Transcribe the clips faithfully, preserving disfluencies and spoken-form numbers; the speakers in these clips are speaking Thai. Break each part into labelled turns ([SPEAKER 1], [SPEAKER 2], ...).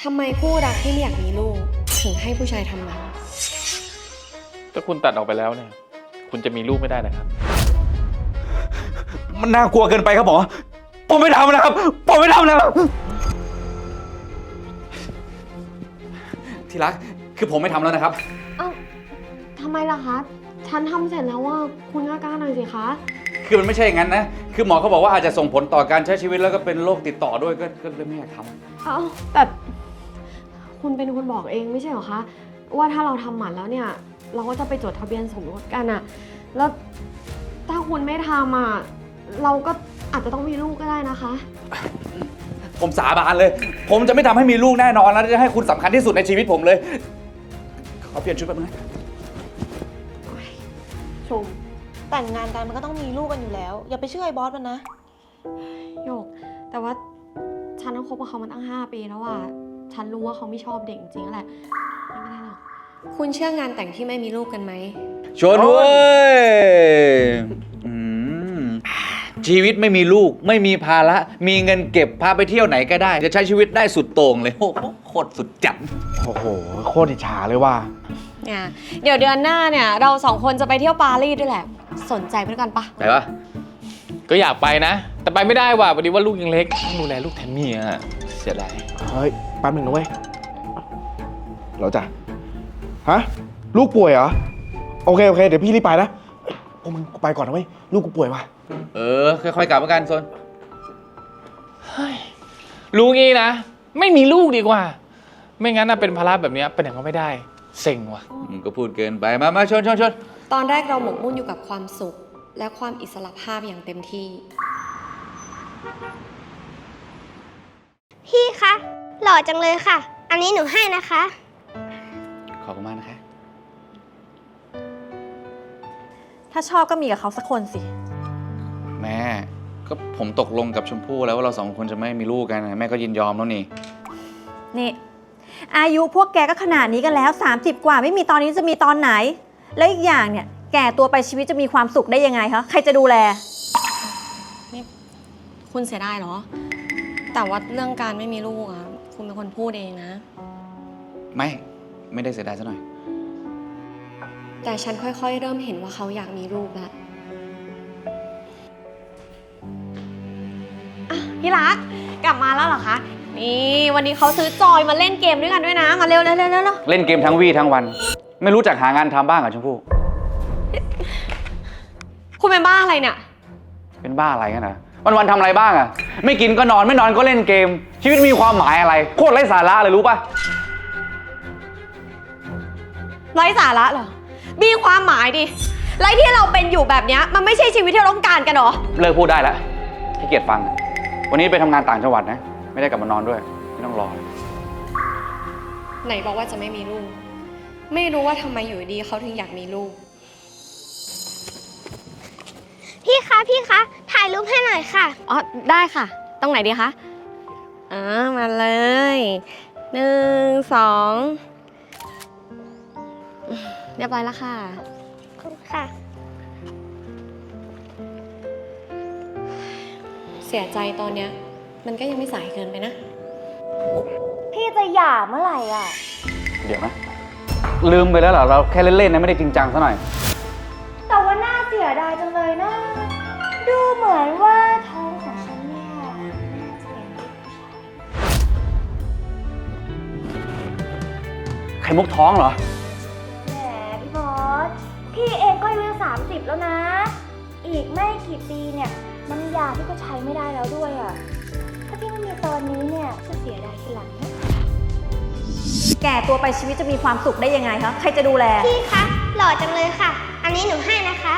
[SPEAKER 1] ทำไมคู่รักที่ไม่อยากมีลูกถึงให้ผู้ชายทำมัน
[SPEAKER 2] ถ้าคุณตัดออกไปแล้วเนี่ยคุณจะมีลูกไม่ได้นะครับ
[SPEAKER 3] มันน่ากลัวเกินไปครับหมอผมไม่ทำนะครับผมไม่ทำนะครับที่รักคือผมไม่ทำแล้วนะครับ
[SPEAKER 1] เอ้าทำไมล่ะคะฉันทำเสร็จแล้วว่าคุณกล้าๆหน่อยสิคะ
[SPEAKER 3] คือมันไม่ใช่อย่างนั้นนะคือหมอเขาบอกว่าอาจจะส่งผลต่อการใช้ชีวิตแล้วก็เป็นโรคติดต่อด้วยก็ก็เลยไม่อยากทำ
[SPEAKER 1] เอ้าแต่คุณเป็นคนบอกเองไม่ใช่เหรอคะว่าถ้าเราทำหมันแล้วเนี่ยเราก็จะไปจดทะเบียนสมรสกันอะแล้วถ้าคุณไม่ทำอะเราก็อาจจะต้องมีลูกก็ได้นะคะ
[SPEAKER 3] ผมสาบานเลยผมจะไม่ทำให้มีลูกแน่นอนแล้วจะให้คุณสำคัญที่สุดในชีวิตผมเลยขอเปลี่ยนชุดแป๊บนึงนะ
[SPEAKER 4] ชมแต่งงานกันมันก็ต้องมีลูกกันอยู่แล้วอย่าไปเชื่อไอ้บอสมันนะ
[SPEAKER 1] โยกแต่ว่าฉันต้องคบกับเขามาตั้งห้าปีแล้วอะฉันรู้ว่าเขาไม่ชอบเด็กจริงๆแหละไม่ได้หรอกคุณเชื่องานแต่งที่ไม่มีลูกกันไหม
[SPEAKER 3] ชวนเว้ยชีวิตไม่มีลูกไม่มีภาระมีเงินเก็บพาไปเที่ยวไหนก็ได้จะใช้ชีวิตได้สุดโต่งเลยโอ้โหโคตรสุดจัด
[SPEAKER 5] โอ้โหโคตรอิจฉาเลยว่า
[SPEAKER 1] เนี่ยเดี๋ยวเดือนหน้าเนี่ยเราสองคนจะไปเที่ยวปารีสด้วยแหละสนใจไปด้วยกันปะ
[SPEAKER 3] ไปปะ
[SPEAKER 2] ก็อยากไปนะแต่ไปไม่ได้ว่ะพอดีว่าลูกยังเล็กต้องดูแลลูกแทนเมียเสียดาย
[SPEAKER 5] เฮ้ยแป๊บหนึ่งนะเว้ยเราจะฮะลูกป่วยเหรอโอเคโอเคเดี๋ยวพี่รีบไปนะพวกมึงไปก่อนนะเว้ยลูกกูป่วยว่ะ
[SPEAKER 3] เออค่อยๆกลับมากันโซน
[SPEAKER 2] รู้งี้นะไม่มีลูกดีกว่าไม่งั้นน่ะเป็นภาระแบบนี้เป็นอย่างก็ไม่ได้เซ็งว่ะ
[SPEAKER 3] มึงก็พูดเกินไปมามาชนชนชน
[SPEAKER 1] ตอนแรกเราหมกมุ่นอยู่กับความสุขและความอิสระภาพอย่างเต็มที่
[SPEAKER 6] พี่คะหล่อจังเลยค่ะอันนี้หนูให้นะคะ
[SPEAKER 3] ขอบคุณมากนะคะ
[SPEAKER 4] ถ้าชอบก็มีกับเขาสักคนสิ
[SPEAKER 3] แม่ก็ผมตกลงกับชมพู่แล้วว่าเราสองคนจะไม่มีลูกกันแม่ก็ยินยอมแล้วนี่
[SPEAKER 4] นี่อายุพวกแกก็ขนาดนี้กันแล้วสามสิบกว่าไม่มีตอนนี้จะมีตอนไหนแล้วอีกอย่างเนี่ยแก่ตัวไปชีวิตจะมีความสุขได้ยังไงคะใครจะดูแล
[SPEAKER 1] นี่คุณเสียดายเหรอแต่ว่าเรื่องการไม่มีลูกอะคุณเป็นคนพูดเองนะ
[SPEAKER 3] ไม่ไม่ได้เสียดายซะหน่อย
[SPEAKER 1] แต่ฉันค่อยๆเริ่มเห็นว่าเขาอยากมีลูกแล้วพี่รักกลับมาแล้วเหรอคะนี่วันนี้เขาซื้อจอยมาเล่นเกมด้วยกันด้วยนะมาเร็วเร็วเร็วเร็ว
[SPEAKER 3] เล่นเกมทั้งวี่ทั้งวันไม่รู้จักหางานทำบ้างเหรอชมพู่
[SPEAKER 1] คุณเป็นบ้าอะไรเนี่ย
[SPEAKER 3] เป็นบ้าอะไรกันนะวันวันทำอะไรบ้างอะไม่กินก็นอนไม่นอนก็เล่นเกมชีวิตมีความหมายอะไรโคตรไร้สาระเลยรู้ปะ
[SPEAKER 1] ไร้สาระเหรอมีความหมายดิไรที่เราเป็นอยู่แบบนี้มันไม่ใช่ชีวิตที่เราต้องการกันหรอ
[SPEAKER 3] เลิกพูดได้แล้วขี้เกียจฟังวันนี้ไปทำงานต่างจังหวัดนะไม่ได้กลับมานอนด้วยไม่ต้องรอ
[SPEAKER 1] ไหนบอกว่าจะไม่มีลูกไม่รู้ว่าทำไมอยู่ดีเขาถึงอยากมีลูก
[SPEAKER 6] พี่คะพี่คะถ่ายรูปให้หน่อยค่ะ
[SPEAKER 1] อ๋อได้ค่ะตรงไหนดีคะอ่ามาเลยหนึ่งสองเรียบร้อยแล้วค่ะ
[SPEAKER 6] ขอบคุณค่ะ
[SPEAKER 1] เสียใจตอนเนี้ยมันก็ยังไม่สายเกินไปนะ
[SPEAKER 4] พี่จะหย่าเมื่อไหร่อ่ะ
[SPEAKER 3] เดี๋ยวนะลืมไปแล้วเหรอเราแค่เล่นๆนะไม่ได้จริงจังซะหน่อย
[SPEAKER 4] แต่ว่าน่าเสียดายจังเลยนะดูเหมือนว่าท้องของฉันเนี่ยน่าจะเป็นผู้
[SPEAKER 3] ชายไข่มุกท้องเหรอ
[SPEAKER 4] แหมพี่บอสพี่เองก็อายุสามสิบแล้วนะอีกไม่กี่ปีเนี่ยน้ำยาพี่ก็ใช้ไม่ได้แล้วด้วยอ่ะถ้าพี่ไม่มีตอนนี้เนี่ยจะเสียดายทีหลังนะแก่ตัวไปชีวิตจะมีความสุขได้ยังไงคะใครจะดูแล
[SPEAKER 6] พี่คะหล่อจังเลยค่ะอันนี้หนูให้นะคะ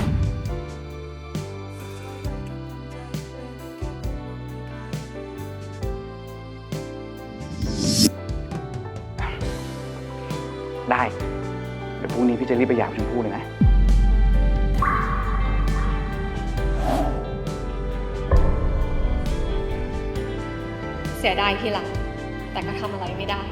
[SPEAKER 3] ได้เดี๋ยวพรุ่งนี้พี่จะรีบไปหย่าชมพู่เลยนะ
[SPEAKER 1] เสียดายทีหลังแต่ก็ทำอะไรไม่ได้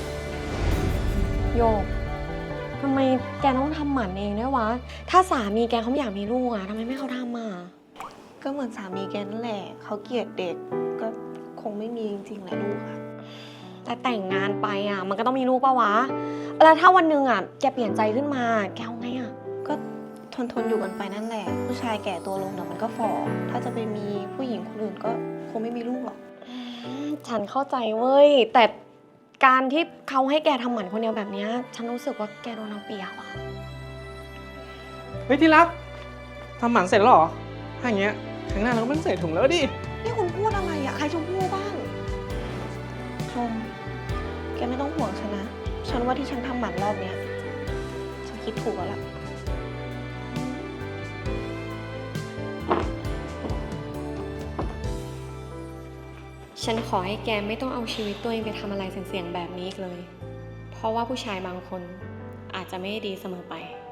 [SPEAKER 1] โยกทำไมแกต้องทำหมันเองด้วยวะถ้าสามีแกเขาไม่อยากมีลูกอะทำไมไม่เขาทำอะ
[SPEAKER 4] ก็เหมือนสามีแกนั่นแหละเขาเกลียดเด็กก็คงไม่มีจริงๆแหละลูกอะ
[SPEAKER 1] แต่แต่งงานไปอ่ะ มันก็ต้องมีลูกปะวะ แล้วถ้าวันหนึ่งอ่ะแกเปลี่ยนใจขึ้นมาแกเอาไงอ่ะ
[SPEAKER 7] ก็ทนทนอยู่กันไปนั่นแหละ ผู้ชายแก่ตัวลงเดี๋ยวมันก็ฝ่อถ้าจะไปมีผู้หญิงคนอื่นก็คงไม่มีลูกหรอก
[SPEAKER 1] อืมฉันเข้าใจเว้ย แต่การที่เขาให้แกทำหมันคนเดียวแบบเนี้ยฉันรู้สึกว่าแกโดนเอาเปรียบอ่ะ
[SPEAKER 8] เฮ้ยที่รักทำหมันเสร็จแล้วเหรอ ถ้าอย่างเงี้ยครั้งหน้าเราก็ไม่ต้องใส่ถุงแล้วดิ
[SPEAKER 7] นี่คุณพูดอะไรอะใครชมพู่บ้าง ชม แกไม่ต้องห่วงฉันนะ ฉันว่าที่ฉันทำหมันรอบเนี้ย ฉันคิดถูกแล้วล่ะ
[SPEAKER 1] ฉันขอให้แกไม่ต้องเอาชีวิตตัวเองไปทำอะไรเสี่ยงๆแบบนี้อีกเลย เพราะว่าผู้ชายบางคนอาจจะไม่ได้ดีเสมอไป